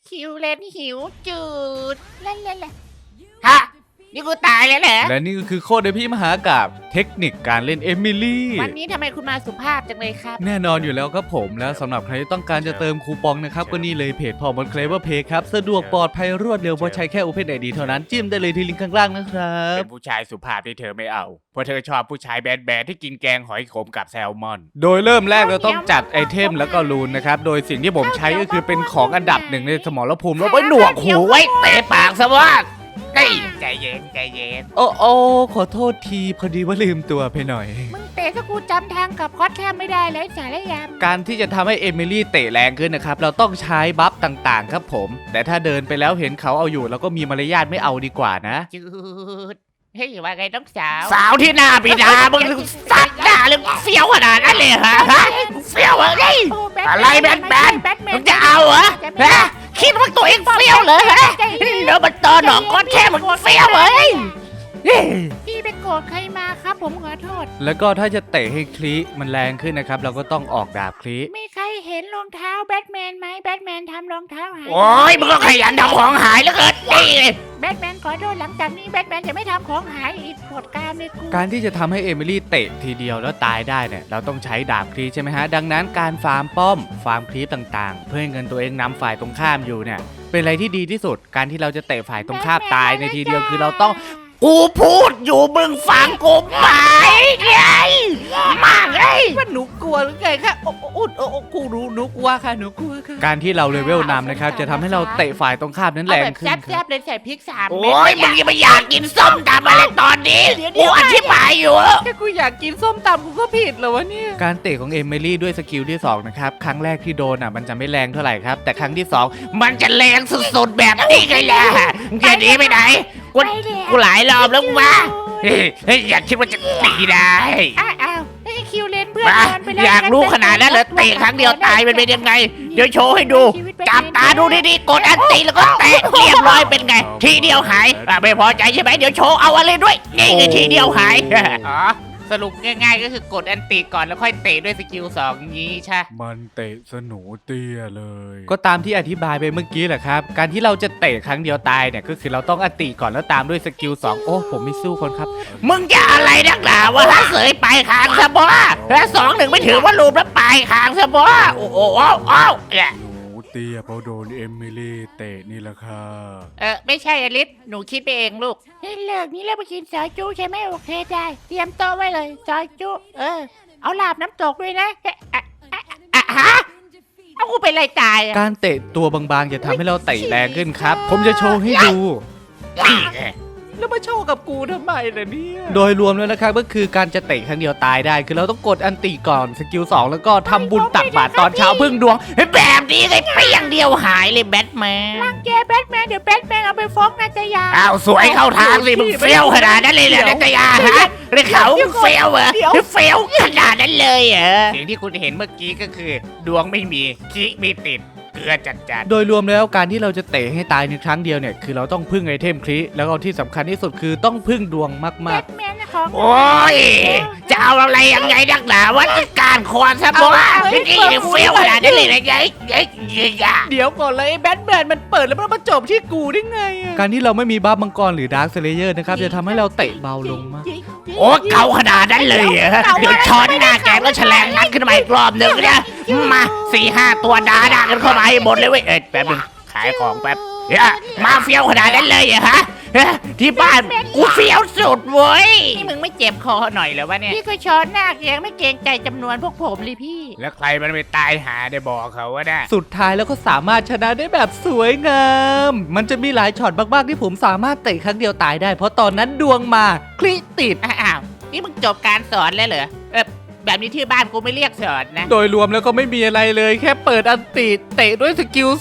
คิวเลนหิวจืดเล่นฮะนี่กูตายแล้วเหรอและนี่ก็คือโคตรในพี่มหากาพย์เทคนิคการเล่นเอมิลี่วันนี้ทำไมคุณมาสุภาพจังเลยครับแน่นอนอยู่แล้วครับผมแล้วสำหรับใครที่ต้องการจะเติมคูปองนะครับก็นี่เลยเพจพอมอนเคลเวอร์เพย์ครับสะดวกปลอดภัยรวดเร็วเพราะใช้แค่ Open ID เท่านั้นจิ้มได้เลยที่ลิงก์ข้างล่างนะครับเป็นผู้ชายสุภาพที่เธอไม่เอาเพราะเธอชอบผู้ชายแบดๆที่กินแกงหอยขมกับแซลมอนโดยเริ่มแรกเราต้องจัดไอเทมแล้วก็รูนนะครับโดยสิ่งที่ผมใช้ก็คือเป็นของอันดับหนึ่งในสมรภูมิแล้วไปหนวกหูหูไว้เตะปากซะว่านี่ใจเย็นใจเย็นโอ้ขอโทษทีพอดีว่าลืมตัวไปหน่อยมึงเตะถ้ากูจำทางกับคอสแทบไม่ได้เลยสารยามการที่จะทำให้เอมิลี่เตะแรงขึ้นนะครับเราต้องใช้บัฟต่างๆ ครับผมแต่ถ้าเดินไปแล้วเห็นเขาเอาอยู่เราก็มีมารยาทไม่เอาดีกว่านะจืดเฮ้ยว่าไงน้องสาวสาวที่หน้าบิดามึงสัตว์หน้าเลยเฟี้ยวขนาดนั้นเลยเหรอฮะเฟี้ยวเหรอไงโอ้แบทอะไรแบทแมนแบทแมนมึงจะเอาเหรอฮะคิดว่าตัวเองเฟี้ยวเหรอฮะเดี๋ยวมันตอนหนองก้อนแค่มึงเฟี้ยวเหรอพี่ไปโกรธใครมาครับผมขอโทษแล้วก็ถ้าจะเตะให้คลีมันแรงขึ้นนะครับเราก็ต้องออกดาบคลีมีใครเห็นรองเท้าแบทแมนไหมแบทแมนทำรองเท้าหายโอ้ยมึงก็ขยันทำของหายแล้วเกินนี่แบทแมนขอโทษหลังจากนี้แบทแมนจะไม่ทำของหายอีกโปรดการเลยกูการที่จะทำให้เอมิลี่เตะทีเดียวแล้วตายได้เนี่ยเราต้องใช้ดาบคลีใช่ไหมฮะดังนั้นการฟาร์มป้อมฟาร์มคลีต่างๆ เพื่อให้เงินตัวเองนำฝ่ายตรงข้ามอยู่เนี่ยเป็นอะไรที่ดีที่สุดการที่เราจะเตะฝ่ายตรงข้ามตายในทีเดียวคือเราต้องกูพูดอยู่มึงฟังกูไหมไงมากเลยว่าหนูกลัวหรือไงคะกูรู้หนูกลัวค่ะหนูกลัวค่ะการที่เราเลเวลนำนะครับจะทำให้เราเตะฝ่ายตรงข้ามนั้นเอาแรงแบบขึ้นคแซ่รับบๆเลยใส่พริก3 โอ้เม็ดยมึงยังไม่อยากกินส้มตำอะไรตอนนี้กูอธิบายอยู่แค่กูอยากกินส้มตำกูก็ผิดเหรอวะเนี่ยการเตะของเอมิลี่ด้วยสกิลที่2นะครับครั้งแรกที่โดนมันจะไม่แรงเท่าไหร่ครับแต่ครั้งที่2 มันจะแรงสุดๆแบบนี้ไงล่ะมึงจะหนีไปไหนกูหลายรอบแล้วมาเฮ้ยอยากคิดว่าจะตีได้อ้าวไอ้คิวเลนเพื่อนมานอนไปแล้วอยากรู้ขนาดนั้นเหรอเตะครั้งเดียวตายมันเป็นยังไงเดี๋ยวโชว์ให้ดูจับตาดูดีๆกดอันตีแล้วก็เตะเรียบร้อยเป็นไง ทีเดียวหายไม่พอใจใช่ไหมเดี๋ยวโชว์เอาอะไรด้วยนี่ไงทีเดียวหายอ๋อสรุปง่ายๆก็คือกดอันติก่อนแล้วค่อยเตะด้วยสกิล2นี้ใช่มันเตะสนูเตี้ยเลย ก็ตามที่อธิบายไปเมื่อกี้แหละครับการที่เราจะเตะครั้งเดียวตายเนี่ยก็คือเราต้องอันติก่อนแล้วตามด้วยสกิล2โอ้ผมไม่สู้คนครับมึงจะอะไรนักหนาวะถ้าเสยไปคางซะบ่ถ้า2-1ไม่ถือว่ารูปแล้วไปคางซะบ่โอ้โหอ้าวเนี่ยหนูเตี้ยเพราะโดนเอมิลี่เตะนี่แหละค่ะไม่ใช่อลิสหนูคิดไปเองลูกเฮ้ยเลิกนี้แล้วไปกินซอยจุใช่ไหมโอเคได้เตรียมโต๊ะไว้เลยซอยจุเอาลาบน้ำตกด้วยนะฮะเอากูเป็นไรตายอ่ะการเตะตัวบางๆจะทำให้เราเตะแรงขึ้นครับ ผมจะโชว์ให้ดูนี่ไงแล้วมาโชว์กับกูทำไมล่ะเนี่ย โดยรวมแล้วนะครับก็คือการจะเตะครั้งเดียวตายได้ คือเราต้องกดอันติก่อนสกิล2แล้วก็ทำบุญตักบาตรตอนเช้าพึ่งดวงแบบนี้ไงเปี้ยงเดียวหายเลยแบทแมนรังแกแบทแมนเดี๋ยวแบทแมนเอาไปฟ้องนาตยาอ้าวสวยเข้าทางสิมึงเฟี้ยวขนาดนั้นเลยเหรอนัตยาฮะหรือเขาเฟี้ยวเหรอเฟี้ยวขนาดนั้นเลยเหรอสิ่งที่คุณเห็นเมื่อกี้ก็คือ ดวงไม่มีคิไม่ติดเกลือจัดโดยรวมแล้วการที่เราจะเตะให้ตายในครั้งเดียวเนี่ยคือเราต้องพึ่งไอเทมคลิแล้วก็ที่สำคัญที่สุดคือต้องพึ่งดวงแบมากทแมนของๆโอ้ยจะเอาอะไรยังไงนักหนาวัดการควรซะบ่นี่เฟี้ยวขนาดนั้นเลยนะยัยๆ เดี๋ยวก่อนเลยแบทแมนมันเปิดแล้วมันมาจบที่กูได้ไงการที่เราไม่มีบัฟมังกรหรือดาร์คสเลเยอร์นะครับจะทำให้เราเตะเบาลงมากโอ้เก่าขนาดนั้นเลยเหรอเดี๋ยวช้อนหน้าแกก็แฉลงนัดขึ้นมาอีกรอบหนึ่งเนี่ยมา4-5 ตัวด่ากันเข้ามาให้หมดเลยเว้ยแป๊บนึงขายของแป๊บเฮ้ยมาเฟี้ยวขนาดนั้นเลยเหรอฮะที่บ้านกูเฟี้ยวสุดเว้ยนี่มึงไม่เจ็บคอหน่อยเหรอวะเนี่ยพี่ก็ช้อนหน้ายังไม่เกรงใจจำนวนพวกผมเลยพี่แล้วใครมันไปตายหาได้บอกเขาว่าได้สุดท้ายแล้วก็สามารถชนะได้แบบสวยงาม มันจะมีหลายช็อตมากๆที่ผมสามารถเตะครั้งเดียวตายได้ เพราะตอนนั้นดวงมาคลิติดอ้าวนี่มึงจบการสอนแล้วเหรอแบบนี้ที่บ้านกูไม่เรียกสอนนะโดยรวมแล้วก็ไม่มีอะไรเลย แค่เปิดอันติเตะด้วยสกิล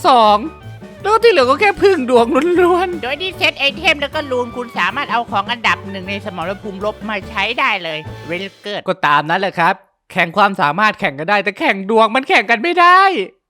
2แล้วที่เหลือก็แค่พึ่งดวงล้วนโดยที่เซตไอเทมแล้วก็รูนคุณสามารถเอาของอันดับหนึ่งในสมรภูมิลบมาใช้ได้เลยเวลเกิดๆก็ตามนั้นแหละครับ แข่งความสามารถแข่งกันได้ แต่แข่งดวงมันแข่งกันไม่ได้